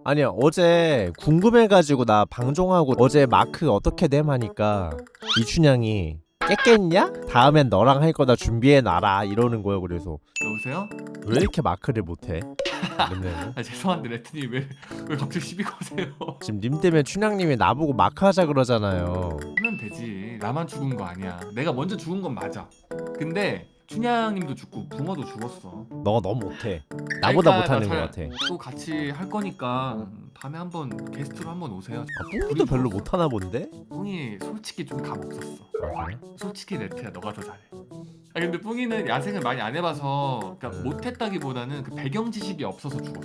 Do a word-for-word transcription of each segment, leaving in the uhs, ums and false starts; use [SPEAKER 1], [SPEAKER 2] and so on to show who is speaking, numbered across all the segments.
[SPEAKER 1] 아니야 어제 궁금해가지고 나 방종하고 어제 마크 어떻게 됨 하니까 이춘향이 깼겠냐? 다음엔 너랑 할 거다 준비해놔라 이러는 거야. 그래서
[SPEAKER 2] 여보세요?
[SPEAKER 1] 왜 이렇게 마크를 못해? 맨날.
[SPEAKER 2] 아 죄송한데 레트님 왜, 왜 갑자기 시비 거세요?
[SPEAKER 1] 지금 님 때문에 춘향님이 나보고 마크 하자 그러잖아요.
[SPEAKER 2] 하면 되지. 나만 죽은 거 아니야. 내가 먼저 죽은 건 맞아. 근데 춘향님도 죽고 붕어도 죽었어.
[SPEAKER 1] 너가 너무 못해. 나보다
[SPEAKER 2] 그러니까
[SPEAKER 1] 못하는 거
[SPEAKER 2] 나
[SPEAKER 1] 같아.
[SPEAKER 2] 잘- 또 같이 할 거니까 다음에 한번 게스트로 한번 오세요.
[SPEAKER 1] 아, 뿡이도 별로 못하나 본데?
[SPEAKER 2] 뿡이 솔직히 좀 감 없었어.
[SPEAKER 1] 아, 그래?
[SPEAKER 2] 솔직히 레트야 너가 더 잘해. 아 근데 뿡이는 야생을 많이 안 해봐서 그러니까
[SPEAKER 1] 음.
[SPEAKER 2] 못했다기보다는 그 배경 지식이 없어서 죽었어.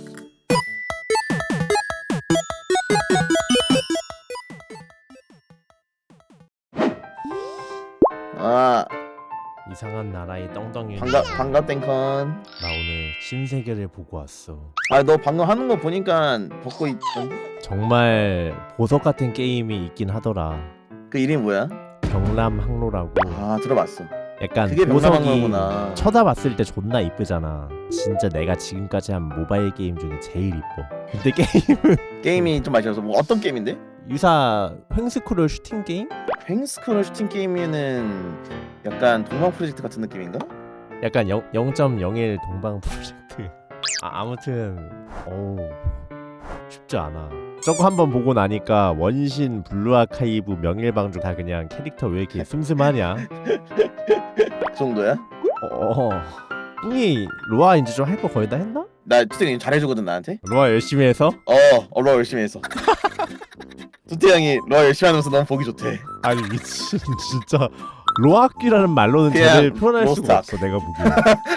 [SPEAKER 3] 아
[SPEAKER 1] 이상한 나라의 떵떵이.
[SPEAKER 3] 반갑 반갑 땡컨.
[SPEAKER 1] 나 오늘 신세계를 보고 왔어.
[SPEAKER 3] 아 너 방금 하는 거 보니까 벗고 있.
[SPEAKER 1] 정말 보석 같은 게임이 있긴 하더라.
[SPEAKER 3] 그 이름이 뭐야?
[SPEAKER 1] 경람항로라고.
[SPEAKER 3] 아 들어봤어.
[SPEAKER 1] 약간
[SPEAKER 3] 그게
[SPEAKER 1] 보석이
[SPEAKER 3] 명랑항로구나.
[SPEAKER 1] 쳐다봤을 때 존나 이쁘잖아. 진짜 내가 지금까지 한 모바일 게임 중에 제일 이뻐. 근데 게임은
[SPEAKER 3] 게임이 좀 맛있어서 뭐 어떤 게임인데?
[SPEAKER 1] 유사 횡스크롤 슈팅 게임?
[SPEAKER 3] 횡스크롤 슈팅 게임에는 약간 동방 프로젝트 같은 느낌인가?
[SPEAKER 1] 약간 영 점 영일 동방 프로젝트. 아, 아무튼 어우 쉽지 않아. 저거 한번 보고 나니까 원신, 블루 아카이브, 명일방주 다 그냥 캐릭터 왜 이렇게 슴슴하냐?
[SPEAKER 3] 그 정도야?
[SPEAKER 1] 어, 뿡이 로아 이제 좀 할 거 거의 다 했나?
[SPEAKER 3] 나 투태 잘해주거든 나한테.
[SPEAKER 1] 로아 열심히 해서?
[SPEAKER 3] 어, 어 러 열심히 했어. 투태 형이 러 열심히 하면서 너무 보기 좋대.
[SPEAKER 1] 아니 미친 진짜 로아끼라는 말로는
[SPEAKER 3] 그냥
[SPEAKER 1] 쟤를 표현할 수가
[SPEAKER 3] 로스트악.
[SPEAKER 1] 없어 내가 보기에.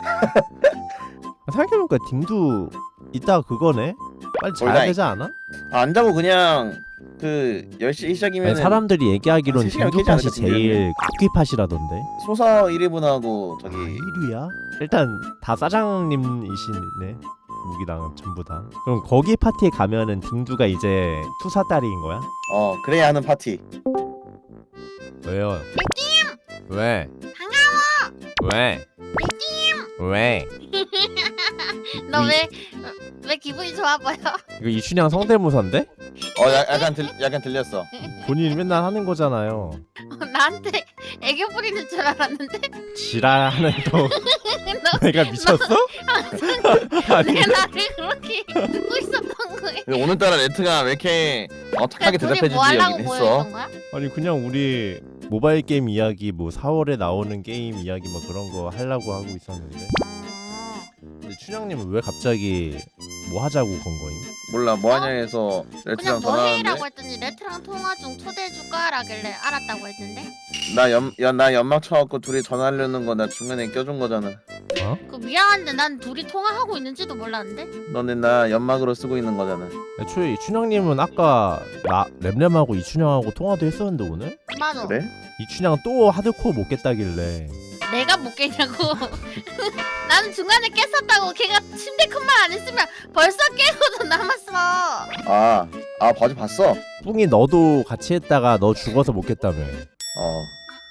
[SPEAKER 1] 생각해보니까 딩도 이따 그거네? 빨리 자야
[SPEAKER 3] 올라이.
[SPEAKER 1] 되지 않아?
[SPEAKER 3] 아, 안 자고 그냥 그 열 시 시작이면
[SPEAKER 1] 아니, 사람들이 얘기하기론
[SPEAKER 3] 세 시간
[SPEAKER 1] 딩두
[SPEAKER 3] 깨지
[SPEAKER 1] 팟이
[SPEAKER 3] 않을까,
[SPEAKER 1] 제일 쿠키 팟이라던데.
[SPEAKER 3] 소서 일 인분하고 저기
[SPEAKER 1] 일 위야? 일단 다 사장님이시네. 무기랑 전부 다. 그럼 거기 파티에 가면은 딩두가 이제 투사 딸인 거야?
[SPEAKER 3] 어 그래야 하는 파티.
[SPEAKER 1] 왜요? 왜? 반가워. 왜? 왜?
[SPEAKER 4] 너 왜 왜 기분이 좋아 보여?
[SPEAKER 1] 이거 이춘향 성대모사인데?
[SPEAKER 3] 어 야, 약간 들 약간 들렸어.
[SPEAKER 1] 본인이 맨날 하는 거잖아요.
[SPEAKER 4] 나한테 애교 부리는 줄 알았는데
[SPEAKER 1] 지랄하는 또
[SPEAKER 4] 너
[SPEAKER 1] 내가 미쳤어? 아니
[SPEAKER 4] 내가 나를 그렇게 듣고 있었던 거야.
[SPEAKER 3] 근데 오늘따라 레트가 왜 이렇게 어 착하게
[SPEAKER 4] 둘이
[SPEAKER 3] 대답해주지
[SPEAKER 4] 뭐 하려고
[SPEAKER 3] 여긴 했어.
[SPEAKER 4] 모여있던 거야?
[SPEAKER 1] 아니 그냥 우리 모바일 게임 이야기 뭐 사월에 나오는 게임 이야기 뭐 그런 거 하려고 하고 있었는데.
[SPEAKER 4] 어.
[SPEAKER 1] 근데 춘향님은 왜 갑자기 뭐 하자고 건 거임?
[SPEAKER 3] 몰라 뭐하냐 해서
[SPEAKER 4] 그냥
[SPEAKER 3] 레트랑
[SPEAKER 4] 뭐 해라고
[SPEAKER 3] 전화하는데
[SPEAKER 4] 했더니 레트랑 통화 중 초대해줄까? 라길래 알았다고 했는데
[SPEAKER 3] 나연나 연막 쳐갖고 둘이 전화하려는 거 나 중간에 껴준 거잖아.
[SPEAKER 4] 그 미안한데 난 둘이 통화하고 있는지도 몰랐는데.
[SPEAKER 3] 너네 나 연막으로 쓰고 있는 거잖아.
[SPEAKER 1] 애초에 이춘향님은 아까 나 램램하고 이춘향하고 통화도 했었는데 오늘?
[SPEAKER 4] 맞아.
[SPEAKER 3] 그래?
[SPEAKER 1] 이춘향 또 하드코어 못 깼다길래
[SPEAKER 4] 내가 못 깨냐고. 나는 중간에 깼었다고. 걔가 침대 큰 말 안 했으면 벌써 깨고도 남았어.
[SPEAKER 3] 아, 아 바지 봤어?
[SPEAKER 1] 뿡이 너도 같이 했다가 너 죽어서 못 깼다며.
[SPEAKER 3] 어.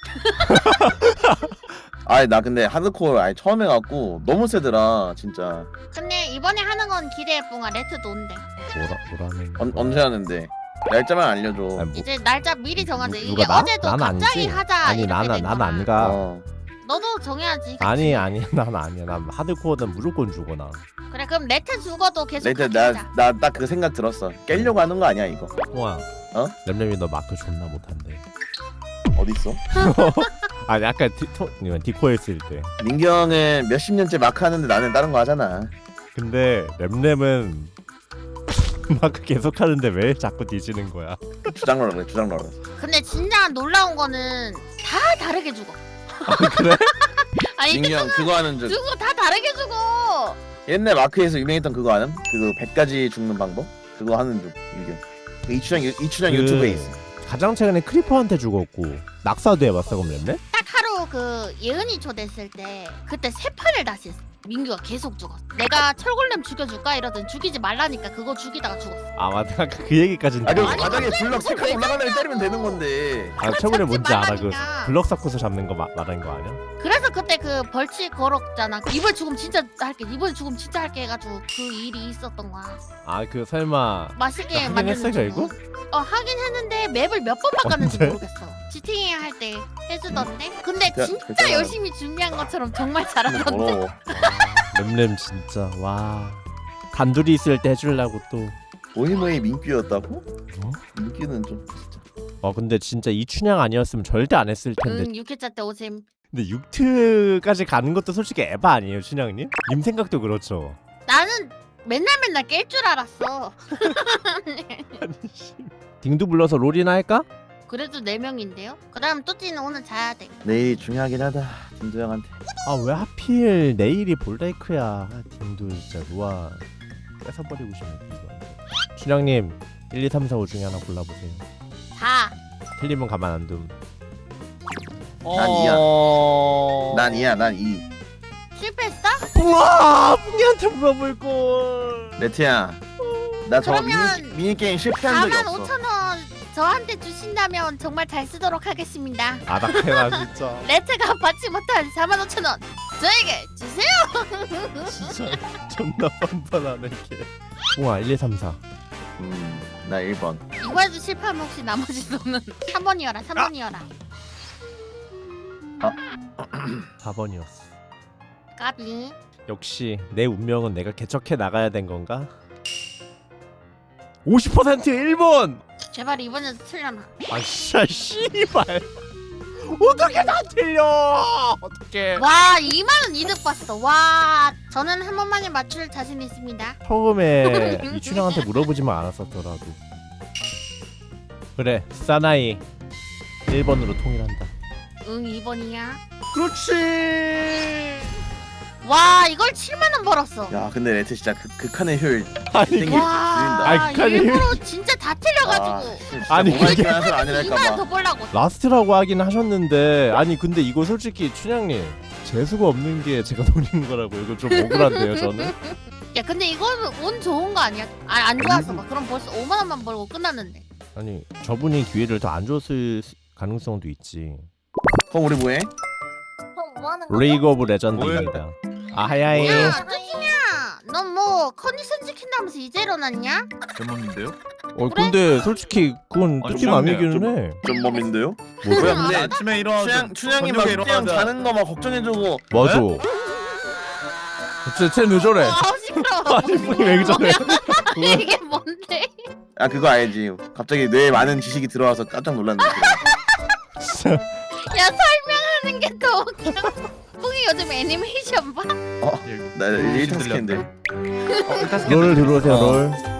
[SPEAKER 3] 아니 나 근데 하드코어 아니 처음 해갖고 너무 세더라 진짜.
[SPEAKER 4] 근데 이번에 하는 건 기대해 뿡아. 레트도 온대.
[SPEAKER 1] 뭐라 뭐라는
[SPEAKER 3] 언,
[SPEAKER 1] 거야?
[SPEAKER 3] 언제 하는데? 날짜만 알려줘.
[SPEAKER 1] 아니, 뭐,
[SPEAKER 4] 이제 날짜 미리 정하자.
[SPEAKER 1] 누-
[SPEAKER 4] 이게
[SPEAKER 1] 누가 나?
[SPEAKER 4] 어제도
[SPEAKER 1] 난
[SPEAKER 4] 갑자기
[SPEAKER 1] 아니지.
[SPEAKER 4] 하자.
[SPEAKER 1] 아니
[SPEAKER 4] 이렇게
[SPEAKER 1] 나는
[SPEAKER 4] 됐잖아.
[SPEAKER 1] 난 안 가.
[SPEAKER 3] 어.
[SPEAKER 4] 너도 정해야지. 그치?
[SPEAKER 1] 아니 아니 난 아니야. 난 하드코어는 무조건 죽어 나.
[SPEAKER 4] 그래 그럼 레트 죽어도 계속
[SPEAKER 3] 레트
[SPEAKER 4] 하자.
[SPEAKER 3] 나나 딱 그 생각 들었어. 깨려고 하는 거 아니야 이거?
[SPEAKER 1] 뽕아.
[SPEAKER 3] 어?
[SPEAKER 1] 램램이 너 마크 존나 못한대.
[SPEAKER 3] 어디 있어?
[SPEAKER 1] 아니 아까 디토 디코 했을 때.
[SPEAKER 3] 민경은 몇십 년째 마크 하는데 나는 다른 거 하잖아.
[SPEAKER 1] 근데 램램은 마크 계속 하는데 왜 자꾸 뒤지는 거야?
[SPEAKER 3] 주장러라 그래 주장러라.
[SPEAKER 4] 근데 진짜 놀라운 거는 다 다르게 죽어.
[SPEAKER 1] 아, 그래?
[SPEAKER 4] 아니
[SPEAKER 3] 민경 그거 하는 줄.
[SPEAKER 4] 죽어 다 다르게 죽어.
[SPEAKER 3] 옛날 마크에서 유명했던 그거 아는? 그거 백 가지 죽는 방법? 그거 하는 중 민경. 그 이춘향 유- 이춘향
[SPEAKER 1] 그
[SPEAKER 3] 유튜브에 있어.
[SPEAKER 1] 가장 최근에 크리퍼한테 죽었고 낙사도 해봤어 그럼 램램?
[SPEAKER 4] 딱 하루 그 예은이 초대했을 때 그때 세 판을 다시 했어. 민규가 계속 죽었어. 내가 철골렘 죽여줄까 이러더니 죽이지 말라니까 그거 죽이다가 죽었어.
[SPEAKER 1] 아 맞다 그 얘기까지는
[SPEAKER 3] 아, 그
[SPEAKER 1] 들었어.
[SPEAKER 3] 바닥에 블럭 세 칸 올라가려면 때리면 되는 건데.
[SPEAKER 1] 아 최근에 뭔지 알아 그
[SPEAKER 4] 말라니까.
[SPEAKER 1] 블럭 쌓고서 잡는 거 마, 말하는 거 아니야?
[SPEAKER 4] 그래서 그때 그 벌칙 걸었잖아. 이번에 죽으면 진짜 할게. 이번에 죽으면 진짜 할게 해가지고 그 일이 있었던 거야.
[SPEAKER 1] 아 그 설마
[SPEAKER 4] 맛있게
[SPEAKER 1] 하긴
[SPEAKER 4] 만드는
[SPEAKER 1] 했어, 결국?
[SPEAKER 4] 어 하긴 했는데 맵을 몇 번 바꿨는지
[SPEAKER 1] 언제?
[SPEAKER 4] 모르겠어. 지팅이 할 때 해주던데. 근데
[SPEAKER 3] 야,
[SPEAKER 4] 진짜
[SPEAKER 3] 괜찮아.
[SPEAKER 4] 열심히 준비한 것처럼 정말 잘하던데.
[SPEAKER 3] 더러워.
[SPEAKER 1] 렘렘 진짜 와 단둘이 있을 때 해주려고 또
[SPEAKER 3] 뭐이 뭐이 민규였다고?
[SPEAKER 1] 어?
[SPEAKER 3] 민규는 좀 진짜.
[SPEAKER 1] 어 근데 진짜 이 춘향 아니었으면 절대 안 했을 텐데
[SPEAKER 4] 응, 육 회차 때 오셈.
[SPEAKER 1] 근데 육 트까지 가는 것도 솔직히 에바 아니에요 춘향님? 님 생각도 그렇죠
[SPEAKER 4] 나는 맨날 맨날 깰 줄 알았어.
[SPEAKER 1] 아니 씨 딩두 불러서 롤이나 할까?
[SPEAKER 4] 그래도 네 명인데요. 그다음 뚜띠는 오늘 자야 돼.
[SPEAKER 3] 내일이 중요하긴 하다. 김도 형한테.
[SPEAKER 1] 아 왜 하필 내일이 볼라이크야 아, 딩두 진짜 루아 뺏어버리고 싶네 이거 춘향님 일, 이, 삼, 사, 오 중에 하나 골라보세요
[SPEAKER 4] 자.
[SPEAKER 1] 틀리면 가만 안 둠.
[SPEAKER 3] 난 이야. 난 이야. 난 이.
[SPEAKER 4] 실패했어?
[SPEAKER 1] 우와 뿡이한테 물어볼 걸.
[SPEAKER 3] 레트야. 나 저
[SPEAKER 4] 그러면
[SPEAKER 3] 미니, 미니 게임 실패한 적이
[SPEAKER 4] 사만
[SPEAKER 3] 없어.
[SPEAKER 4] 오천 원 저한테 주신다면 정말 잘 쓰도록 하겠습니다.
[SPEAKER 1] 아닥해라 진짜.
[SPEAKER 4] 레트가 받지 못한 사만 오천 원 저에게 주세요.
[SPEAKER 1] 진짜 존나 뻔뻔하네 걔. 우와 일, 이, 삼, 사.
[SPEAKER 3] 음. 나 일 번.
[SPEAKER 4] 이번에도 실패하면 혹시 나머지 돈은 삼 번이어라 삼 번이어라.
[SPEAKER 1] 사 번이었어.
[SPEAKER 4] 까비.
[SPEAKER 1] 역시 내 운명은 내가 개척해 나가야 된 건가? 오십 퍼센트 일 번.
[SPEAKER 4] 제발 이번에도 틀려나.
[SPEAKER 1] 아 진짜 씨발. 어떻게 다 틀려? 어떻게?
[SPEAKER 4] 와 이만 원 이득 봤어. 와 저는 한 번만에 맞출 자신 있습니다.
[SPEAKER 1] 처음에 이춘향한테 물어보지만 않았었더라도. 그래 사나이 일 번으로 통일한다.
[SPEAKER 4] 응 이 번이야.
[SPEAKER 1] 그렇지.
[SPEAKER 4] 와 이걸 칠만 원 벌었어.
[SPEAKER 3] 야, 근데 레트 진짜 극, 극한의 효율.
[SPEAKER 1] 아니
[SPEAKER 3] 땡기.
[SPEAKER 4] 와
[SPEAKER 1] 아이, 칸이-
[SPEAKER 4] 일부러 진짜 다 틀려가지고
[SPEAKER 1] 아니,
[SPEAKER 3] 아니,
[SPEAKER 1] 그게-
[SPEAKER 3] 그게 사람
[SPEAKER 4] 이만 원
[SPEAKER 3] 아니랄까봐.
[SPEAKER 4] 더 벌라고.
[SPEAKER 1] 라스트라고 하긴 하셨는데 아니 근데 이거 솔직히 춘향님 재수가 없는 게 제가 노리는 거라고 이거 좀 억울한데요 저는.
[SPEAKER 4] 야 근데 이거는 운 좋은 거 아니야? 아, 안 좋아서 막 그럼 벌써 오만 원만 벌고 끝났는데.
[SPEAKER 1] 아니 저분이 기회를 더 안 줬을 가능성도 있지.
[SPEAKER 3] 그럼 우리 뭐해?
[SPEAKER 5] 그럼 뭐 하는 거죠?
[SPEAKER 1] 리그 오브 레전드입니다. 아하야이.
[SPEAKER 4] 야 뚜지냐 넌 뭐 컨디션 지킨다면서 이제 일어났냐?
[SPEAKER 6] 전문인데요?
[SPEAKER 1] 어 근데 솔직히 그건
[SPEAKER 6] 아니,
[SPEAKER 1] 뚜띠
[SPEAKER 6] 그럼요.
[SPEAKER 1] 맘이기는 해.
[SPEAKER 3] 좀 몸인데요?
[SPEAKER 1] 뭐야?
[SPEAKER 3] 뭐야 근데
[SPEAKER 6] 아침에 일어나서
[SPEAKER 3] 춘향, 춘향이 막
[SPEAKER 6] 저녁에
[SPEAKER 3] 뚜띠 형
[SPEAKER 6] 일어나자.
[SPEAKER 3] 자는 거 막 걱정해주고.
[SPEAKER 1] 맞아. 쟤, 쟤왜 저래?
[SPEAKER 4] 아 시끄러워.
[SPEAKER 1] 아니 분이 왜 저래?
[SPEAKER 4] 뭐야? 이게 뭔데?
[SPEAKER 3] 아 그거 알지. 갑자기 뇌에 많은 지식이 들어와서 깜짝 놀랐는데.
[SPEAKER 1] 진짜.
[SPEAKER 4] 야 설명하는 게 더 웃겨. 뿡이 요즘 애니메이션 봐?
[SPEAKER 3] 나 일 탄 스캔인데.
[SPEAKER 6] 어, 일단
[SPEAKER 1] 롤 들어오세요
[SPEAKER 3] 어.
[SPEAKER 1] 롤.